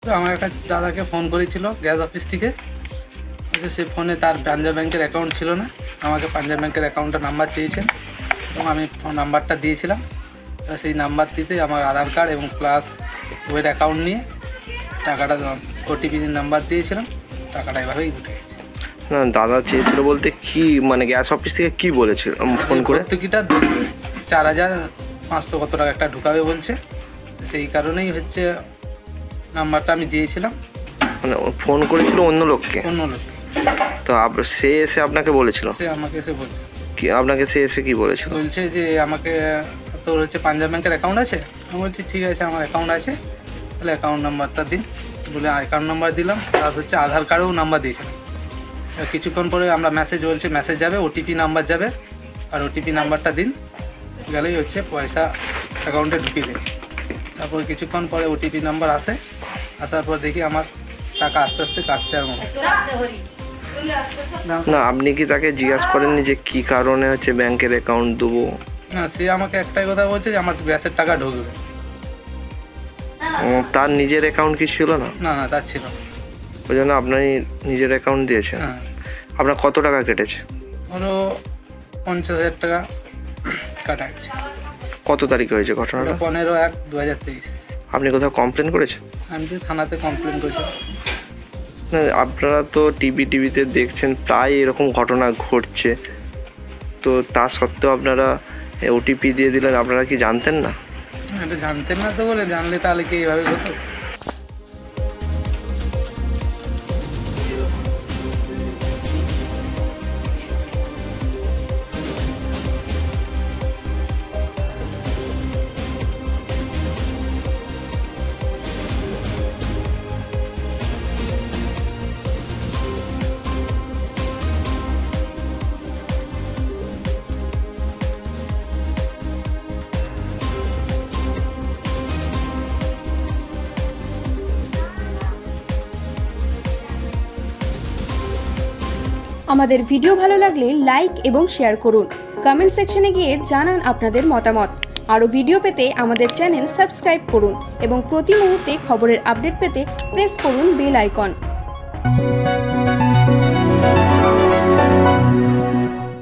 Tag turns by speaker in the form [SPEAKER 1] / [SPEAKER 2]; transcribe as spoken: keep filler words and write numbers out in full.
[SPEAKER 1] তো আমার একটা দাদাকে ফোন করেছিল গ্যাস অফিস থেকে, সে ফোনে তার পাঞ্জাব ব্যাংকের অ্যাকাউন্ট ছিল না, আমাকে পাঞ্জাব ব্যাংকের অ্যাকাউন্টের নাম্বার চেয়েছেন এবং আমি নাম্বারটা দিয়েছিলাম। সেই নাম্বারটিতে আমার আধার কার্ড এবং প্লাস ওয়ের অ্যাকাউন্ট নিয়ে টাকাটা ওটিপি নাম্বার দিয়েছিলাম, টাকাটা এভাবেই উঠে গেছে।
[SPEAKER 2] না দাদা চেয়েছিল বলতে কি, মানে গ্যাস অফিস থেকে কি বলেছিল ফোন করে?
[SPEAKER 1] ভর্তুকিটা চার হাজার পাঁচশো কত টাকা একটা ঢুকাবে বলছে, সেই কারণেই হচ্ছে নাম্বারটা আমি দিয়েছিলাম।
[SPEAKER 2] মানে ফোন করেছিল অন্য লোককে?
[SPEAKER 1] অন্য লোক।
[SPEAKER 2] তো সে এসে আপনাকে বলেছিল?
[SPEAKER 1] সে আমাকে এসে বলছে
[SPEAKER 2] কি আপনাকে সে এসে কি বলেছিল?
[SPEAKER 1] বলছে যে আমাকে তোর হচ্ছে পাঞ্জাব ব্যাংকের অ্যাকাউন্ট আছে। আমি বলছি ঠিক আছে আমার অ্যাকাউন্ট আছে, তাহলে অ্যাকাউন্ট নাম্বারটা দিন। বলে অ্যাকাউন্ট নাম্বার দিলাম, তার হচ্ছে আধার কার্ডেও নাম্বার দিয়েছিলাম। কিছুক্ষণ পরে আমরা মেসেজ বলছে মেসেজ যাবে, ওটিপি নাম্বার যাবে, আর ওটিপি নাম্বারটা দিন, গেলেই হচ্ছে পয়সা অ্যাকাউন্টে ঢুকিয়ে দেবে। তারপর কিছুক্ষণ পরে ওটিপি নাম্বার আসে, আসার পর দেখি আমার টাকা আস্তে আস্তে কাটতে আর মনে।
[SPEAKER 2] না আপনি কি তাকে জিজ্ঞাসা করেননি যে কি কারণে হচ্ছে ব্যাংকের অ্যাকাউন্ট দেবো?
[SPEAKER 1] না, সে আমাকে একটাই কথা বলছে যে আমার গ্যাসের টাকা ঢুকবে।
[SPEAKER 2] তার নিজের অ্যাকাউন্ট কি ছিল না?
[SPEAKER 1] না না তার ছিল না,
[SPEAKER 2] ওই জন্য আপনি নিজের অ্যাকাউন্ট দিয়েছেন।
[SPEAKER 1] হ্যাঁ।
[SPEAKER 2] আপনার কত টাকা কেটেছে?
[SPEAKER 1] ওরও পঞ্চাশ হাজার টাকা কাটা গেছে।
[SPEAKER 2] কত তারিখ হয়েছে ঘটনাটা?
[SPEAKER 1] পনেরো এক দু হাজার তেইশ।
[SPEAKER 2] আপনি কোথাও কমপ্লেন করেছেন?
[SPEAKER 1] আমি তো থানাতে কমপ্লেন করেছি।
[SPEAKER 2] না আপনারা তো টিভি টিভিতে দেখছেন প্রায় এরকম ঘটনা ঘটছে, তো তা সত্ত্বেও আপনারা ওটিপি দিয়ে দিলেন, আপনারা কি জানতেন না?
[SPEAKER 1] এটা জানতেন না তো, বলে জানলে তাহলে কি এইভাবে হতো?
[SPEAKER 3] আমাদের ভিডিও ভালো লাগলে লাইক এবং শেয়ার করুন। কমেন্ট সেকশনে গিয়ে জানান আপনাদের মতামত। আরও ভিডিও পেতে আমাদের চ্যানেল সাবস্ক্রাইব করুন এবং প্রতি মুহূর্তে খবরের আপডেট পেতে প্রেস করুন বেল আইকন।